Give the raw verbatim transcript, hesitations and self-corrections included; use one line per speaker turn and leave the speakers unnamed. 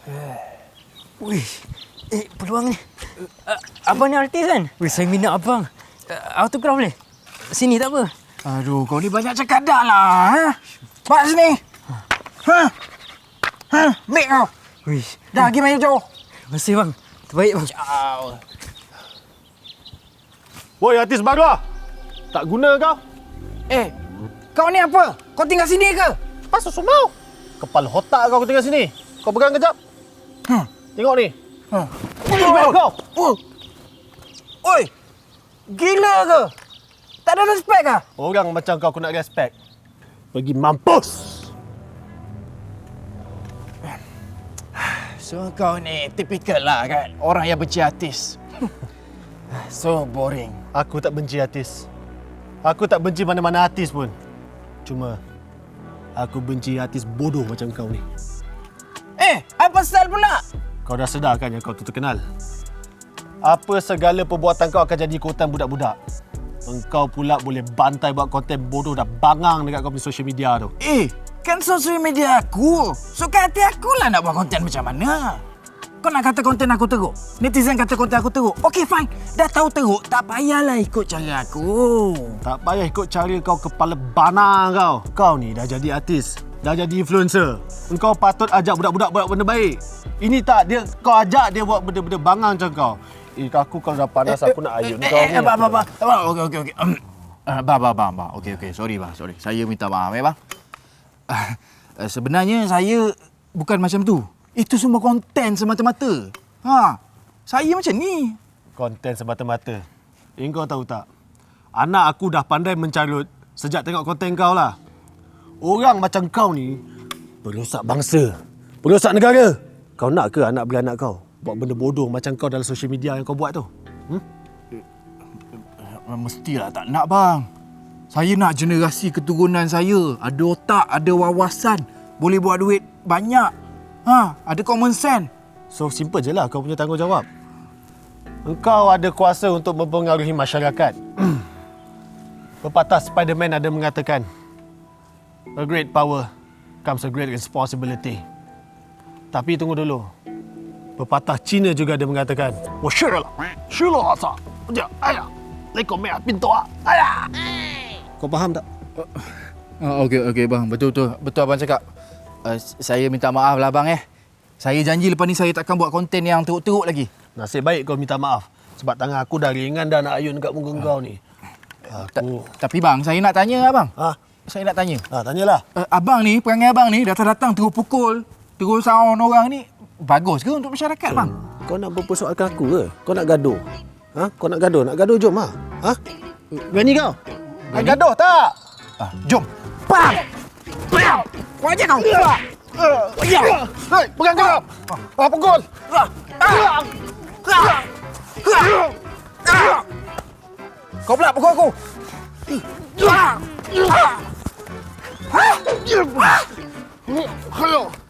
Wih, eh peluang ni. Uh, abang ni artis kan? Wih, saya minat abang. Uh, autograf boleh? Sini tak apa.
Aduh, kau ni banyak cakap dah lah. Ha? Pak sini. Ha? Ha? Ambil kau.
Wih.
Dah, pergi main jauh.
Terima kasih bang. Terbaik bang.
Ciao.
Woi, artis baru. Tak guna kau.
Eh, kau ni apa? Kau tinggal sini ke?
Pasal semau. Kepala otak kau tinggal sini. Kau pegang kejap.
Hmm.
Tengok ni.
Ha.
Oh, kau.
Oh. Oi. Gila ke? Tak ada respect ke?
Orang macam kau aku nak respect. Pergi mampus.
So kau ni typical lah kan? Orang yang benci artis. So boring.
Aku tak benci artis. Aku tak benci mana-mana artis pun. Cuma aku benci artis bodoh macam kau ni.
Eh, apa pasal pula?
Kau dah sedar kan yang kau tu terkenal? Apa segala perbuatan kau akan jadi ikutan budak-budak. Engkau pula boleh bantai buat konten bodoh dah bangang dekat kau punya social media tu.
Eh, kan sosial media aku. So kat hati aku lah nak buat konten macam mana. Kau nak kata konten aku teruk? Netizen kata konten aku teruk? Okey, fine. Dah tahu teruk, tak payahlah ikut cara aku.
Tak payah ikut cara kau kepala bana kau. Kau ni dah jadi artis. Dah jadi influencer. Engkau patut ajak budak-budak buat benda baik. Ini tak, dia kau ajak dia buat benda-benda bangang macam kau. Eh, aku kalau dah panas aku nak ayun kau ni.
Eh, abang, abang, abang. Okey, okey, okey. Abang, abang, abang, abang. Okey, okey. Sorry, bang. Sorry. Saya minta maaf, ya, bang. Uh, sebenarnya saya bukan macam tu. Itu semua konten semata-mata. Ha, saya macam ni.
Konten semata-mata. Eh, kau tahu tak? Anak aku dah pandai mencarut sejak tengok konten kau lah. Orang macam kau ni perosak bangsa, perosak negara. Kau nak ke anak beranak kau buat benda bodoh macam kau dalam social media yang kau buat tu? Hmm?
Mestilah tak nak, bang. Saya nak generasi keturunan saya ada otak, ada wawasan, boleh buat duit banyak. Ha, ada common sense.
So simple je lah kau punya tanggungjawab. Engkau ada kuasa untuk mempengaruhi masyarakat. Pepatah Spiderman ada mengatakan, a great power comes a great responsibility. Tapi tunggu dulu. Pepatah Cina juga ada mengatakan, "Wo shi le, shi le sa, ja, ayah, lekor merah pintu ah, ayah." Kau faham tak?
Uh, okey, okey, bang. Betul, betul. Betul abang cakap. Uh, saya minta maaf lah, bang, eh. Saya janji lepas ni saya takkan buat konten yang teruk-teruk lagi.
Nasib baik kau minta maaf. Sebab tangan aku dah ringan dah nak ayun dekat muka uh. kau ni. Aku...
Ta- tapi bang, saya nak tanya abang.
Ha?
Saya nak tanya.
Ha, tanyalah.
Uh, abang ni, perangai abang ni datang-datang terus pukul, terus sound orang ni. Bagus ke untuk masyarakat, bang?
Kau nak mempersoalkan aku ke? Kau nak gaduh? Ha? Kau nak gaduh? Nak gaduh, jom lah. Ha? Berani kau? Nak gaduh tak?
Ah, jom. Bang! Bang! Kau aja kau. Ya.
Hei, pegang kau. Ah, pukul.
Kau pula pukul aku.
Ayo.